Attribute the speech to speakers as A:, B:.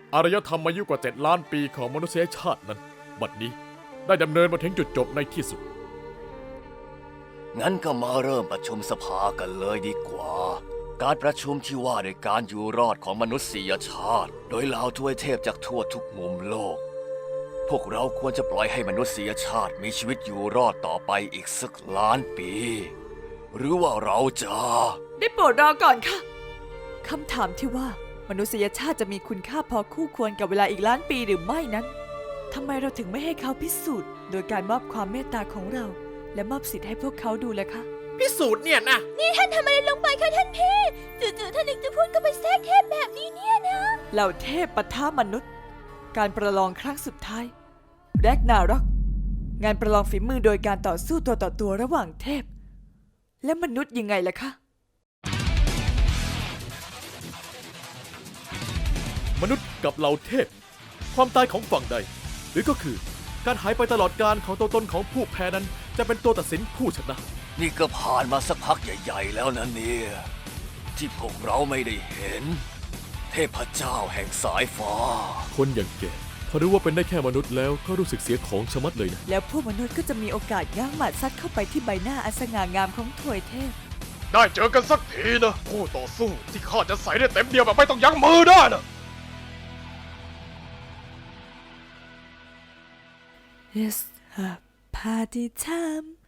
A: อารยธรรมอายุกว่า7 ล้านปีของมนุษยชาตินั้น บัดนี้ได้ดำเนินมาถึงจุดจบในที่สุด
B: งั้นก็มาเริ่มประชุมสภากันเลยดีกว่า การประชุมที่ว่าด้วยการอยู่รอดของมนุษยชาติ โดยเหล่าทวยเทพจากทั่วทุกมุมโลก พวกเราควรจะปล่อยให้มนุษยชาติมีชีวิตอยู่รอดต่อไปอีกสักล้านปี หรือว่าเราจะ
C: ได้โปรดรอก่อนค่ะคำถามที่ว่ามนุษยชาติจะมีคุณค่าพอคู่ควรกับเวลาอีกล้านปีหรือไม่นั้นทำไมเราถึงไม่ให้เขาพิสูจน์โดยการมอบความเมตตาของเรา และมอบสิทธิ์ให้พวกเขาดูล่ะคะ
A: พิสูจน์เนี่ยนะ
D: นี่ท่านทำอะไรลงไปคะท่านพี่จู่ๆท่านนึกจะพูดก็ไปแทรกเทพแบบนี้เนี่ยนะ
C: เหล่าเทพปะทะมนุษย์ การประลองครั้งสุดท้ายแรกนาร็อกงานประลองฝีมือโดยการต่อสู้ตัวต่อตัวระหว่างเทพ และมนุษย์ยังไงล่ะคะ
A: มนุษย์กับเหล่าเทพ ความตายของฝั่งใด หรือก็คือการหายไปตลอดกาลของตัวตนของผู้แพ้นั้นจะเป็นตัวตัดสินผู้ชนะ
B: นี่ก็ผ่านมาสักพักใหญ่ๆแล้วนะเนี่ย ที่พวกเราไม่ได้เห็น เทพเจ้าแห่งสายฟ้า
A: คนอย่างแกพอรู้ว่าเป็นได้แค่มนุษย์แล้วก็รู้สึกเสียของชะมัดเลยนะ
C: แล้วพวกมนุษย์ก็จะมีโอกาสง้างหมัดซัดเข้าไปที่ใบหน้าอันสง่างามของถวยเทพ
E: ได้เจอกันสักทีนะคู่ต่อสู้ที่ข้าจะใส่ได้เต็มเดียวแบบไม่ต้องยั้งมือได้นะ
C: It's a party time